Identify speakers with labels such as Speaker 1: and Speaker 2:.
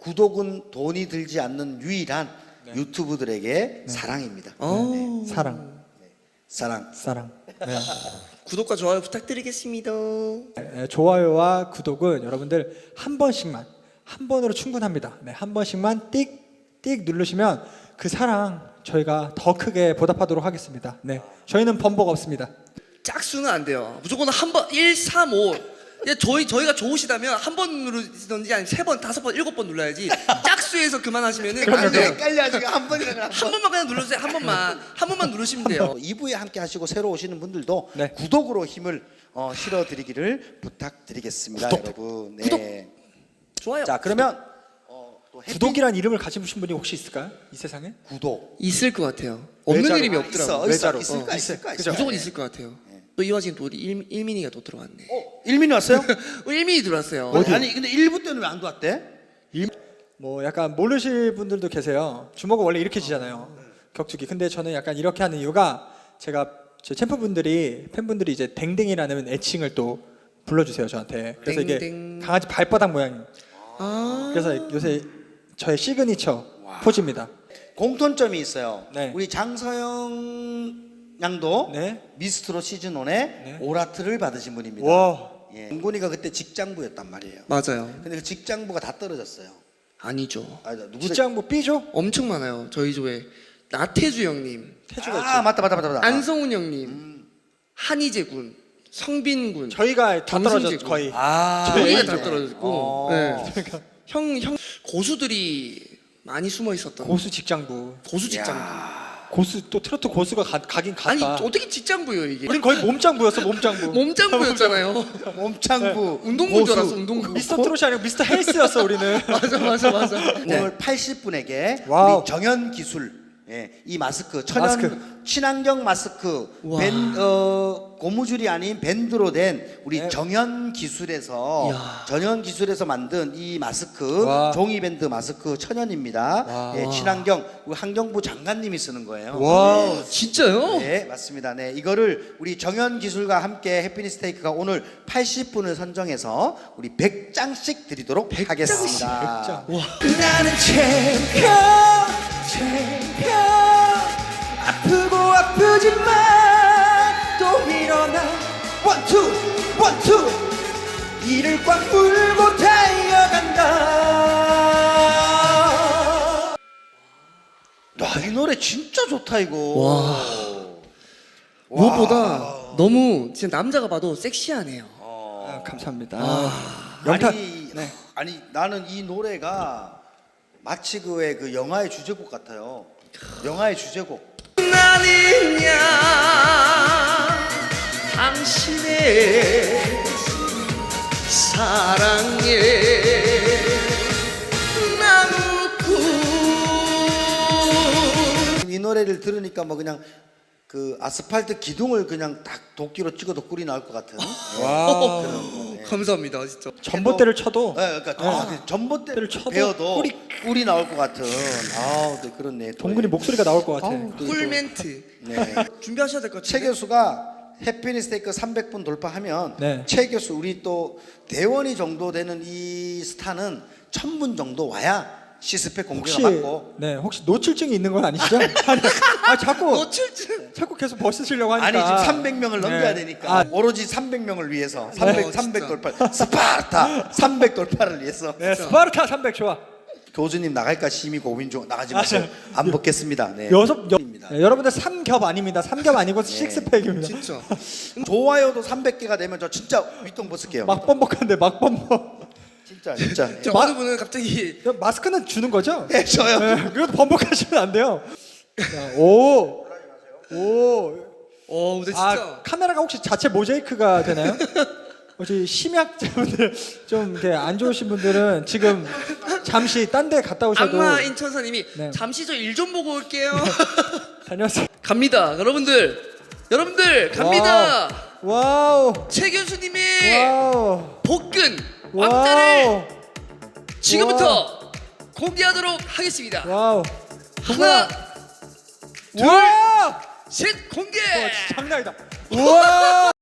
Speaker 1: 구독은 돈이 들지 않는 유일한 유튜브들에게 사랑입니다. 네.
Speaker 2: 사랑.
Speaker 1: 사랑.
Speaker 2: 네.
Speaker 3: 구독과 좋아요 부탁드리겠습니다.
Speaker 2: 네, 좋아요와 구독은 여러분들 한 번으로 충분합니다. 네, 한 번씩만 띡띡 누르시면 그 사랑 저희가 더 크게 보답하도록 하겠습니다. 네, 저희는 번복 없습니다.
Speaker 3: 짝수는 안 돼요. 무조건 한 번 1, 3, 5. 저희가 좋으시다면 한 번 누르시던지 아니면 3번, 5번, 7번 눌러야지. 짝수에서 그만하시면은 안 돼요.
Speaker 1: 헷갈려 지금 한 번이라고
Speaker 3: 한 번만 그냥 눌러주세요. 한 번만 누르시면 돼요.
Speaker 1: 2부에 함께 하시고 새로 오시는 분들도
Speaker 2: 네.
Speaker 1: 구독으로 힘을 실어드리기를 부탁드리겠습니다, 여러분. 네.
Speaker 3: 구독! 좋아요.
Speaker 1: 자, 그러면 또
Speaker 2: 구독이란 이름을 가진 분이 혹시 있을까요? 이 세상에?
Speaker 1: 구독
Speaker 3: 있을 것 같아요. 없는
Speaker 2: 외자로.
Speaker 3: 이름이 없더라고.
Speaker 2: 외자로.
Speaker 1: 있을까?
Speaker 2: 그죠?
Speaker 3: 무조건 있을 것 같아요. 또 이 와중에 또 우리 일민이가 또 들어왔네.
Speaker 1: 일민이 왔어요?
Speaker 3: 일민이 들어왔어요.
Speaker 1: 아니 근데 1부 때는 왜 안 들어왔대?
Speaker 2: 뭐 약간 모르실 분들도 계세요. 주먹은 원래 이렇게 지잖아요. 격투기. 근데 저는 약간 이렇게 하는 이유가 제가 제 팬분들이 이제 댕댕이라는 애칭을 또 불러주세요 저한테. 그래서 이게
Speaker 3: 댕댕.
Speaker 2: 강아지 발바닥 모양이.
Speaker 3: 아.
Speaker 2: 그래서 요새 저의 시그니처 포즈입니다.
Speaker 1: 공통점이 있어요.
Speaker 2: 네.
Speaker 1: 우리 장서영 양도
Speaker 2: 네.
Speaker 1: 미스트롯 시즌 1에 오라트를 받으신 분입니다.
Speaker 2: 와.
Speaker 1: 예. 은곤이가 그때 직장부였단 말이에요.
Speaker 3: 맞아요.
Speaker 1: 근데 그 직장부가 다 떨어졌어요.
Speaker 3: 아니죠.
Speaker 1: 누구
Speaker 2: 직장부 B죠?
Speaker 3: 엄청 많아요. 저희 조에 나태주 형님,
Speaker 2: 태주가
Speaker 1: 맞다.
Speaker 3: 안성훈 형님, 한희재 군, 성빈 군,
Speaker 2: 저희가 다
Speaker 3: 정승재
Speaker 2: 떨어졌죠
Speaker 3: 군.
Speaker 2: 거의.
Speaker 3: 저희가
Speaker 1: 네.
Speaker 3: 다 떨어졌고, 네. 형 고수들이 많이 숨어 있었던
Speaker 2: 고수 직장부.
Speaker 3: 고수 직장부.
Speaker 2: 고수 또 트로트 고수가 가긴 갔다.
Speaker 3: 아니 어떻게 직장부요 이게?
Speaker 2: 우린 거의 몸짱부였어 몸짱부.
Speaker 3: 몸짱부였잖아요.
Speaker 1: 몸창부
Speaker 3: 운동부인 줄 알았어 운동부.
Speaker 2: 미스터 트롯이 아니고 미스터 헬스였어 우리는.
Speaker 3: 맞아.
Speaker 1: 오늘 80분에게
Speaker 2: 와우.
Speaker 1: 우리 정연 기술 이 마스크
Speaker 2: 마스크.
Speaker 1: 친환경 마스크
Speaker 3: 와.
Speaker 1: 고무줄이 아닌 밴드로 된 우리
Speaker 2: 네.
Speaker 1: 정연 기술에서 만든 이 마스크
Speaker 2: 와.
Speaker 1: 종이 밴드 마스크 천연입니다.
Speaker 2: 와.
Speaker 1: 예, 친환경 우리 환경부 장관님이 쓰는 거예요.
Speaker 2: 와.
Speaker 3: 진짜요?
Speaker 1: 네, 맞습니다. 네, 이거를 우리 정연 기술과 함께 해피니스테이크가 오늘 80분을 선정해서 우리 100장씩 드리도록 하겠습니다.
Speaker 2: 100장. 와.
Speaker 1: 나는 챔피언 아프고 아프지만 또 일어나 원투 이를 꽉 물고 달려간다. 이 노래 진짜 좋다 이거.
Speaker 3: 와. 무엇보다 너무 진짜 남자가 봐도 섹시하네요.
Speaker 2: 아, 감사합니다.
Speaker 1: 아니 나는 이 노래가 마치 그 영화의 주제곡 같아요. 영화의 주제곡.
Speaker 3: 나는야 당신의 사랑에 남고
Speaker 1: 이 노래를 들으니까 뭐 그냥 그 아스팔트 기둥을 그냥 딱 도끼로 찍어도 꿀이 나올 것 같은.
Speaker 2: 와.
Speaker 3: 감사합니다 진짜.
Speaker 2: 전봇대를 쳐도
Speaker 1: 그러니까 전봇대를
Speaker 2: 쳐도
Speaker 1: 베어도 꿀이 나올 것 같은. 네, 그렇네.
Speaker 2: 동근이 목소리가 나올 것 같아.
Speaker 3: 꿀 멘트.
Speaker 1: 네.
Speaker 3: 준비하셔야 될 것
Speaker 1: 최
Speaker 3: 같은데.
Speaker 1: 교수가 해피니스테이크 300분 돌파하면
Speaker 2: 네.
Speaker 1: 최 교수 우리 또 대원이 정도 되는 이 스타는 1000분 정도 와야 시스펙 공개가 맞고.
Speaker 2: 혹시 노출증이 있는 건 아니시죠? 자꾸
Speaker 3: 노출증.
Speaker 2: 자꾸 계속 벗으시려고 하니까.
Speaker 1: 아니 지금 300명을 넘겨야 되니까 오로지 300명을 위해서 300
Speaker 3: 진짜.
Speaker 1: 돌파 스파르타 300 돌파를 위해서.
Speaker 2: 네, 스파르타 300 좋아.
Speaker 1: 교수님 나갈까 심히 고민 중. 나가지 마세요. 안 벗겠습니다. 네.
Speaker 2: 여러분들 삼겹 아닙니다. 삼겹 아니고 식스팩입니다.
Speaker 3: 진짜.
Speaker 1: 좋아요도 300개가 되면 저 진짜 윗동 벗을게요.
Speaker 2: 막범벅한데 막범벅.
Speaker 1: 진짜.
Speaker 3: 저 어느 분은 갑자기
Speaker 2: 마스크는 주는 거죠?
Speaker 1: 네, 저요.
Speaker 2: 네, 그것도 번복하시면 안 돼요. 자, 오.
Speaker 3: 근데 진짜.
Speaker 2: 카메라가 혹시 자체 모자이크가 되나요? 혹시 심약자분들 좀 이렇게 안 좋으신 분들은 지금 잠시 딴 데 갔다 오셔도.
Speaker 3: 악마 인천사님이
Speaker 2: 네.
Speaker 3: 잠시 저 일 좀 보고 올게요.
Speaker 2: 다녀오세요.
Speaker 3: 갑니다 여러분들 갑니다.
Speaker 2: 와우.
Speaker 3: 최 교수님의
Speaker 2: 와우.
Speaker 3: 복근
Speaker 2: 와우.
Speaker 3: 왕자를 지금부터 공개하도록 하겠습니다.
Speaker 2: 와우.
Speaker 3: 하나
Speaker 2: 와.
Speaker 3: 셋 공개.
Speaker 2: 장난이다. 우와.